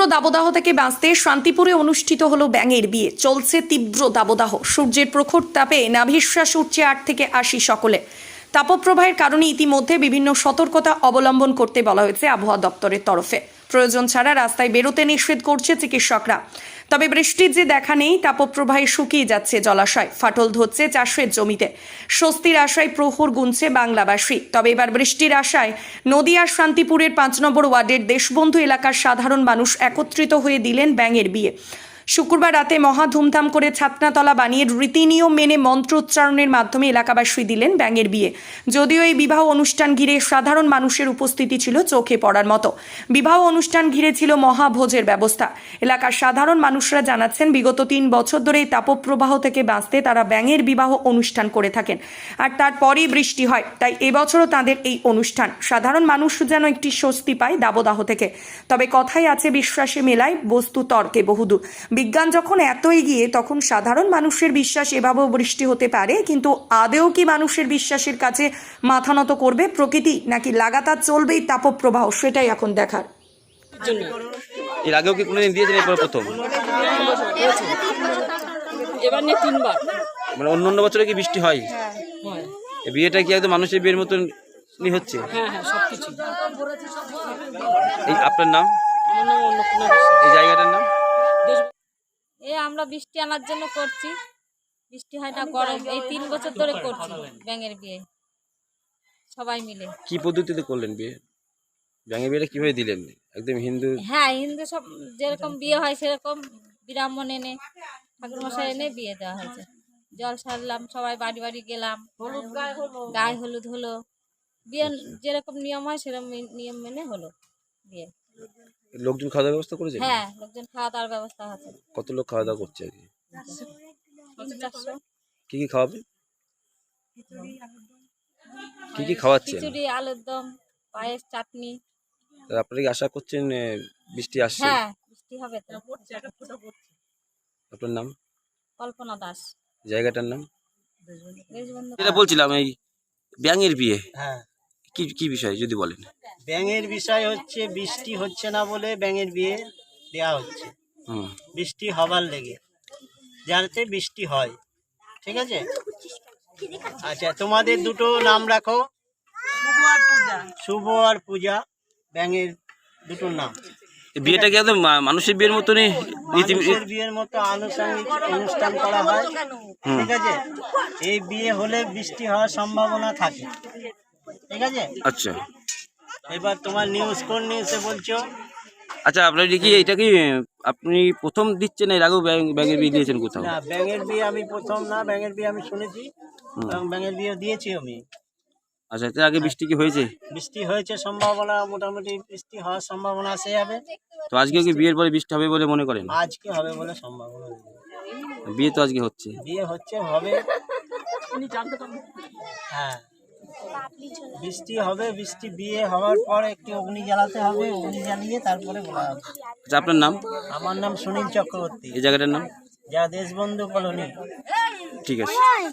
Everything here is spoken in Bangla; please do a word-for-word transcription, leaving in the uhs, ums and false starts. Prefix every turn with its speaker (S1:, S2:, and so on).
S1: দাবদাহ থেকে বাঁচতে শান্তিপুরে অনুষ্ঠিত হলো ব্যাঙের বিয়ে। চলছে তীব্র দাবদাহ, সূর্যের প্রখর তাপে নাভিশ্বাস উঠছে আট থেকে আশি সকলে। তাপপ্রবাহের কারণে ইতিমধ্যে বিভিন্ন সতর্কতা অবলম্বন করতে বলা হয়েছে আবহাওয়া দপ্তরের তরফে। প্রয়োজন ছাড়া রাস্তায় বেরোতে নিষেধ করছে চিকিৎসকরা। তবে বৃষ্টির যে দেখা নেই, তাপপ্রবাহে শুকিয়ে যাচ্ছে জলাশয়, ফাটল ধরছে চাষের জমিতে। স্বস্তির আশায় প্রহর গুনছে বাংলাবাসী। তবে এবার বৃষ্টির আশায় নদিয়ার শান্তিপুরের পাঁচ নম্বর ওয়ার্ডের দেশবন্ধু এলাকার সাধারণ মানুষ একত্রিত হয়ে দিলেন ব্যাঙের বিয়ে। শুক্রবার রাতে মহা ধুমধাম করে ছাতনাতলা বানিয়ে রীতিনিয়ম মেনে মন্ত্রোচ্চারণের মাধ্যমে এলাকাবাসী দিলেন ব্যাঙের বিয়ে। যদিও এই বিবাহ অনুষ্ঠান ঘিরে সাধারণ মানুষের উপস্থিতি ছিল চোখে পড়ার মতো। বিবাহ অনুষ্ঠান ঘিরে ছিল মহাভোজের ব্যবস্থা। এলাকার সাধারণ মানুষরা জানাচ্ছেন, বিগত তিন বছর ধরে এই তাপপ্রবাহ থেকে বাঁচতে তারা ব্যাঙের বিবাহ অনুষ্ঠান করে থাকেন, আর তারপরেই বৃষ্টি হয়। তাই এবছরও তাদের এই অনুষ্ঠান। সাধারণ মানুষ যেন একটি স্বস্তি পায় দাবদাহ থেকে। তবে কথাই আছে, বিশ্বাসে মেলায় বস্তু তর্কে বহুদূর। বিজ্ঞান যখন এত এগিয়ে, তখন সাধারণ মানুষের বিশ্বাস এভাবেও বৃষ্টি হতে পারে। কিন্তু আদেও কি মানুষের বিশ্বাসের কাছে মাথা নত করবে প্রকৃতি, নাকি লাগাতার চলবেই তাপপ্রবাহ, সেটাই এখন দেখার।
S2: এর আগেও কি কোনোদিন দিয়েছেন? এরপর প্রথম?
S3: এবার নিয়ে তিনবার।
S2: মানে অন্য অন্য বছরে কি বৃষ্টি হয়?
S3: হয়।
S2: এই বিয়েটা কি একদম মানুষের বিয়ের মতন হচ্ছে?
S3: হ্যাঁ হ্যাঁ সবকিছু।
S2: এই আপনার নাম?
S3: আমার নাম অন্নপূর্ণা বিশ্বাস।
S2: এই জায়গাটার নাম?
S4: এ আমরা বৃষ্টি আনার জন্য করছি, বৃষ্টি হয় না, গরম। এই তিন বছর ধরে করছি ব্যাঙের বিয়ে সবাই মিলে।
S2: কি পদ্ধতিতে করলেন বিয়ে? ব্যাঙের বিয়েটা কিভাবে দিলেন? একদম হিন্দু?
S4: হ্যাঁ, হিন্দু সব যেরকম বিয়ে হয় সেরকম ব্রাহ্মণ এনে, ঠাকুর মশাই এনে বিয়ে দেওয়া হয়েছে। জল সারলাম, সবাই বাড়ি বাড়ি গেলাম, গায়ে হলুদ হলো। বিয়ে যেরকম নিয়ম হয় সেরকম নিয়ম মেনে হলো বিয়ে।
S2: লোকজন খাওয়া দাওয়ার ব্যবস্থা করেছে?
S4: হ্যাঁ, লোকজন খাওয়া দাওয়ার ব্যবস্থা আছে।
S2: কত লোক খাওয়া দাওয়া করছে আর কি?
S4: চারশো।
S2: কি কি খাওয়াবে? কি কি খাওয়াচ্ছেন?
S4: খিচুড়ি, আলুর দম, পায়েস, চাটনি।
S2: আপনারা কি আশা করছেন এ, বৃষ্টি আসছে?
S4: হ্যাঁ, বৃষ্টি হবে তো।
S2: আপনার নাম?
S4: কল্পনা দাস।
S2: জায়গাটার নাম?
S4: দেশবন্ধু।
S2: যেটা বলছিলাম, এই ব্যাঙের বিয়ে,
S5: হ্যাঁ,
S2: কি কি বিষয় যদি বলেন?
S5: ব্যাঙের বিষয় হচ্ছে বৃষ্টি হচ্ছে না বলে ব্যাঙের বিয়ে দেয়া হচ্ছে।
S2: হুম।
S5: বৃষ্টি হবার লেগে, যাতে বৃষ্টি হয়। ঠিক আছে, আচ্ছা তোমাদের দুটো নাম রাখো, শুভ আর পূজা। ব্যাঙের দুটোর নাম।
S2: এই বিয়েটা কি একদম মা- মানুষের বিয়ের মতনই রীতি?
S5: মানুষের বিয়ের মতো আনুষঙ্গিক অনুষ্ঠান করা হয়। ঠিক আছে, এই বিয়ে হলে বৃষ্টি হওয়ার সম্ভাবনা থাকে। ঠিক আছে,
S2: আচ্ছা
S5: এবার তোমার নিউজ কোন নিউজে বলছো?
S2: আচ্ছা, আপনার কি এটা কি আপনি প্রথম দিচ্ছেন? এর আগেও ব্যাঙ- ব্যাঙের বিয়ে দিয়েছেন কোথাও?
S5: না, ব্যাঙের বিয়ে আমি প্রথম না, ব্যাঙের বিয়ে আমি শুনেছি এবং ব্যাঙের বিয়ে দিয়েছি আমি।
S2: আচ্ছা, এর আগে বৃষ্টি কি হয়েছে?
S5: বৃষ্টি হয়েছে, সম্ভাবনা মোটামুটি বৃষ্টি হওয়ার সম্ভাবনা আছে যাবে।
S2: তো আজকে কি বিয়ের পরে বৃষ্টি হবে বলে মনে করেন?
S5: আজকে হবে বলে সম্ভাবনা নেই।
S2: বিয়ে তো আজকে হচ্ছে।
S5: বিয়ে হচ্ছে, হবে। হ্যাঁ, বৃষ্টি হবে। বৃষ্টি বিয়ে হওয়ার পর একটি অগ্নি জ্বালাতে হবে, অগ্নি জ্বালিয়ে তারপরে বলা হবে।
S2: আচ্ছা, আপনার নাম?
S5: আমার নাম সুনীল চক্রবর্তী,
S2: এই জায়গাটার নাম?
S5: যা দেশবন্ধু কলোনি।
S2: ঠিক আছে।